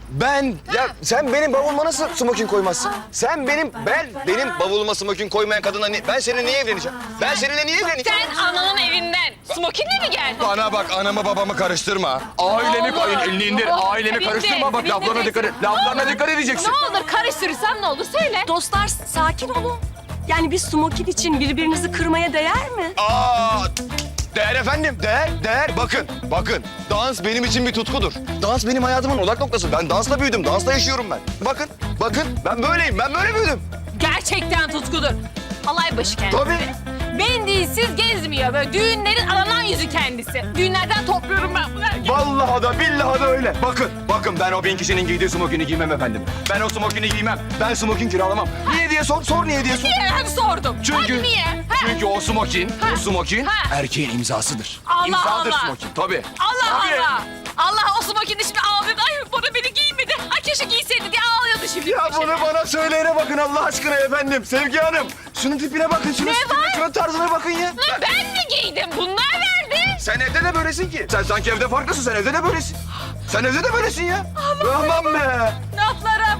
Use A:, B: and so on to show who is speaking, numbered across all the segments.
A: Ya sen benim bavuluma nasıl smokin koymazsın? Sen benim bavuluma smokin koymayan kadına ben seninle niye evleneceğim? Ben seninle niye evleneceğim?
B: Sen ananın evinden smokinle mi geldin?
A: Bana bak, anamı babamı karıştırma. Ailemi elini indir, ailemi karıştırma. Bak laflarına dikkat et. Laflarına dikkat edeceksin.
B: Ne olur karıştırırsan ne olur söyle.
C: Dostlar sakin olun. Yani bir smokin için birbirinizi kırmaya değer mi?
A: Değer efendim, değer. Bakın. Dans benim için bir tutkudur. Dans benim hayatımın odak noktası. Ben dansla büyüdüm, dansla yaşıyorum ben. Bakın. Ben böyleyim, ben böyle büyüdüm.
B: Gerçekten tutkudur. Alay başı kendisi.
A: Tabii.
B: Mendilsiz gezmiyor. Böyle düğünlerin aranan yüzü kendisi. Düğünlerden topluyorum ben bunu.
A: Vallahi da billahi da öyle. Bakın ben o 1000 kişinin giydiği smokini giymem efendim. Ben o smokini giymem. Ben smokin kiralamam. Niye diye sor niye diye sor.
B: Niye? Hadi sordum.
A: Çünkü,
B: Hadi niye?
A: çünkü o smokin erkeğin imzasıdır.
B: Allah
A: İmzadır
B: Allah.
A: smokin tabii.
B: Allah
A: Tabii.
B: Allah. Allah o smokini şimdi ağlıyordu. Ay bana beni giymedi. Ay keşke giyseydi diye ağlıyordu şimdi.
A: Ya bunu bana söyleyene bakın Allah aşkına efendim. Sevgi Hanım. Şunun tipine bakın, şunun stiline, şunun tarzına bakın ya.
B: Lan ben mi giydim? Bunlar verdi.
A: Sen evde de böylesin ki. Sen sanki evde farklısın, sen evde de böylesin. Sen evde de böylesin ya. Aman be.
B: Laflara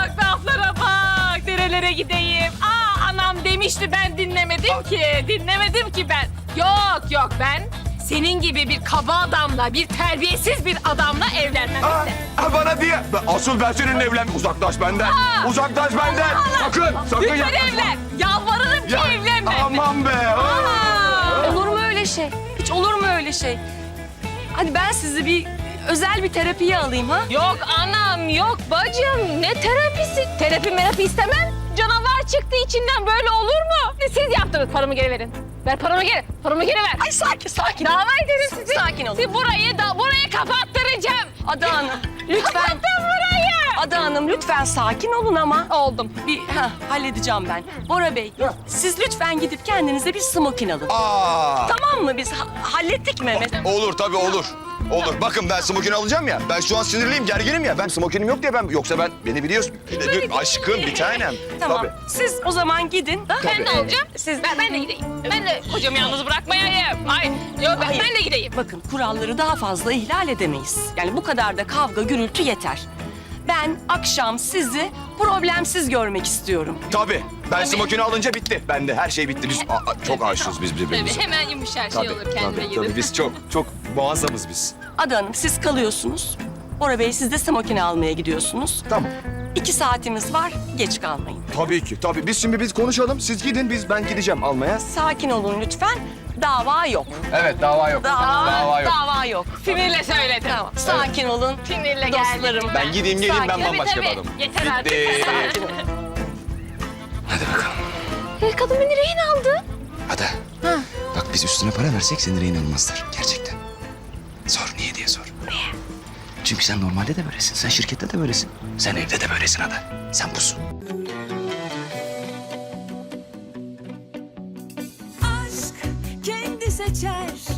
B: bak. Nerelere gideyim? Anam demişti ben dinlemedim ki ben. Yok ben senin gibi bir kaba adamla, bir terbiyesiz bir adamla evlenmem işte.
A: Bana diye. Asıl ben seninle evlen. Uzaklaş benden. Uzaklaş benden. Sakın
B: Lütfen
A: yaklaşma.
B: evlen. Yalvarırım ki evlenme.
A: Aman be.
C: Olur mu öyle şey? Hiç olur mu öyle şey? Hadi ben sizi bir özel bir terapiye alayım ha?
B: Yok anam, yok bacım. Ne terapisi? Terapi istemem. Canavar çıktı içinden, böyle olur mu? Siz yaptınız, paramı geri verin. Ver paramı geri. Paramı geri ver.
C: Ay sakin.
B: Dava ederim sizi.
C: Sakin olun.
B: Sizi burayı kapattıracağım.
C: Ada Hanım lütfen.
B: Kapattım burayı.
C: Ada Hanım lütfen sakin olun ama.
B: Oldum.
C: Halledeceğim ben. Bora Bey siz lütfen gidip kendinize bir smokin alın.
A: Aa.
C: Tamam mı biz hallettik Mehmet?
A: Olur tabii olur. Olur. Bakın ben smokin alacağım ya. Ben şu an sinirliyim, gerginim ya. Ben smokinim yok diye yoksa beni biliyorsun. Aşkım, bir tanem.
C: Tamam.
A: Tabii.
C: Siz o zaman gidin.
B: Ben de olacağım. Ben de gideyim. Ben de kocamı yalnız bırakmayayım.
C: Hayır.
B: Ben de gideyim.
C: Bakın kuralları daha fazla ihlal edemeyiz. Yani bu kadar da kavga gürültü yeter. Ben akşam sizi problemsiz görmek istiyorum.
A: Tabii. Ben smokini alınca bitti. Ben de her şey bitti. Biz çok aşığız biz birbirimize.
B: Tabii hemen yumuşar şey olur kendine gelir.
A: Tabii biz çok muazzamız biz.
C: Ada Hanım siz kalıyorsunuz. Bora Bey siz de smokini almaya gidiyorsunuz.
A: Tamam.
C: 2 saatimiz var, geç kalmayın.
A: Tabii ki. Tabii. Biz konuşalım. Siz gidin, ben gideceğim almaya.
C: Sakin olun lütfen. Dava yok.
A: Evet, dava yok.
C: Dava yok.
B: Sinirle söyledim.
C: Tamam. Sakin olun.
B: Sinirle
C: Dostlarım.
B: geldim.
A: Ben gideyim geleyim, ben
C: Sakin.
A: bambaşka bir adamım.
B: Yeter artık.
C: Sakin olun.
A: Hadi bakalım.
B: Kadın beni rehin aldı.
A: Hadi. Bak biz üstüne para versek seni rehin almazlar. Gerçekten. Sor niye diye sor. Niye? Çünkü sen normalde de böylesin. Sen şirkette de böylesin. Sen evde de böylesin Ada. Sen busun.
D: Aşk kendi seçer